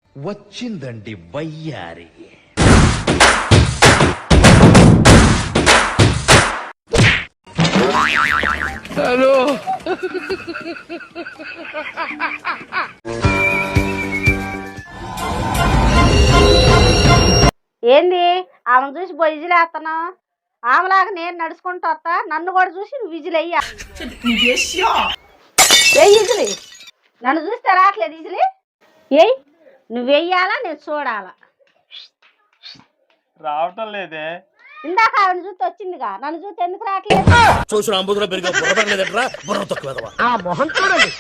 వచ్చిందండి వయ్యారి. హలో ఏంది ఆమెను చూసి పోయి విజిలేస్తున్నావు? ఆమెలాగా నేను నడుచుకుంటూ వస్తా, నన్ను కూడా చూసి నువ్వు విజిలెయ్యా. ఏ విజిలి? నన్ను చూస్తే రావట్లేదు విజిలి? ఏయ్, నువ్వు వెయ్యాలా నేను చూడాలా? రావటం లేదే. ఇందాక ఆవిడ చూస్తే వచ్చిందిగా, నన్ను చూస్తే ఎందుకు రావట్లేదు? చూసిన అంబుధులో పెరిగే బుర్రపడలేదట్రా, బుర్ర తక్కువ ఆ మొహం చూడండి.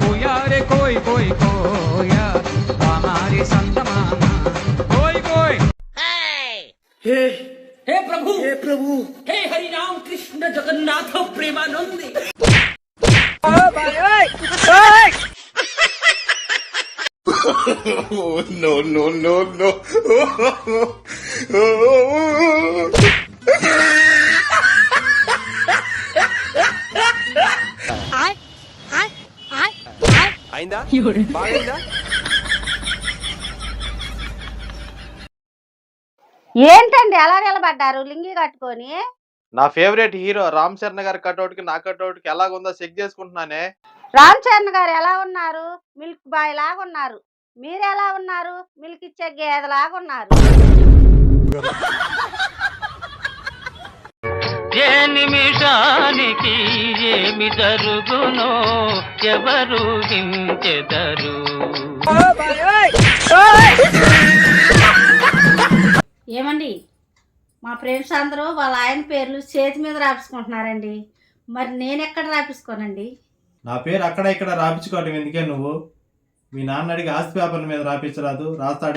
हे प्रभु हे Hari Ram Krishna Jagannath Premanandi. No, no, no, no. అయిందా? బాగైందా? ఏంటండి ఎలా నిలబడ్డారు లింగి కట్టుకొని? నా ఫేవరెట్ హీరో రామ్ చరణ్ గారి కట్అవుట్ కి నా కట్అవుట్ కి ఎలాగుందో చెక్ చేసుకుంటున్నానే. రామ్ చరణ్ గారు ఎలా ఉన్నారు? మిల్క్ బాయ్ లాగా ఉన్నారు. మీరు ఎలా ఉన్నారు? మిల్క్ ఇచ్చే గేదె లాగా ఉన్నారు. ఏ నిమిషానికి ఏమి జరుగునో ఎవరు హించెదరు. ఏమండి, మా ఫ్రెండ్స్ అందరూ వాళ్ళ ఆయన పేర్లు చేతి మీద రాపించుకుంటున్నారండి. మరి నేను ఎక్కడ రాపించుకోనండి? నా పేరు అక్కడ ఇక్కడ రాపించుకోవటం ఎందుకే నువ్వు? మీ నాన్న అడిగి ఆస్తి పేపర్ల మీద రాపించరాదు, రాస్తాడే.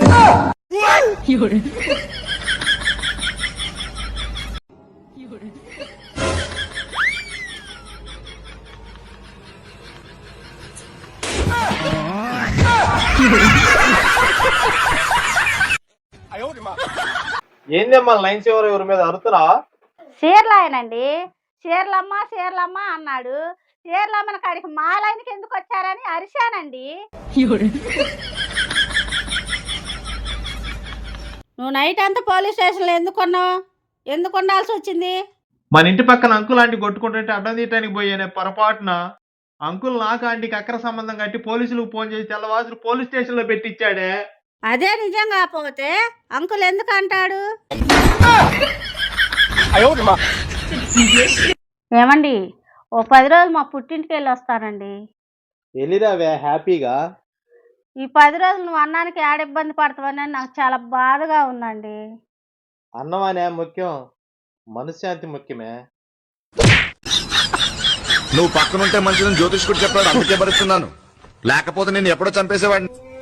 ఏందమ్మా లైన్స్ ఎవరి మీద అరుతున్నావా? చీరలాయనండి. చీరలమ్మ అన్నాడు. చీరలమ్మని కాడికి మా లైన్కి ఎందుకు వచ్చారని అరిశానండి. నువ్వు నైట్ అంతా పోలీస్ స్టేషన్లో ఎందుకున్నావు? ఎందుకు ఉండాల్సి వచ్చింది? మన ఇంటి పక్కన అంకుల్ ఆంటీ కొట్టుకుంటుంటే అడ్డం తీయటానికి పోయానే పొరపాటున. అంకుల్ నాకు ఆంటీకి అక్ర సంబంధం కట్టి పోలీసులకు ఫోన్ చేసి తెల్లవాసులు పోలీస్ స్టేషన్ లో పెట్టించాడే. అదే నిజం కాకపోతే అంకుల్ ఎందుకు అంటాడు? ఏమండి, ఓ 10 రోజులు మా పుట్టింటికి వెళ్ళి వస్తానండి. వెళ్ళిరావే హ్యాపీగా. ఈ 10 రోజులు నువ్వు అన్నానికి ఏడ ఇబ్బంది పడతావని నాకు చాలా బాధగా ఉందండి. అన్నం అనే ముఖ్యం, మనశ్శాంతి ముఖ్యమే. నువ్వు పక్కనుంటే మంచిదని జ్యోతిష్కుడు చెప్పాడు, అందుకే భరిస్తున్నాను. లేకపోతే నేను ఎప్పుడో చంపేసేవాడిని.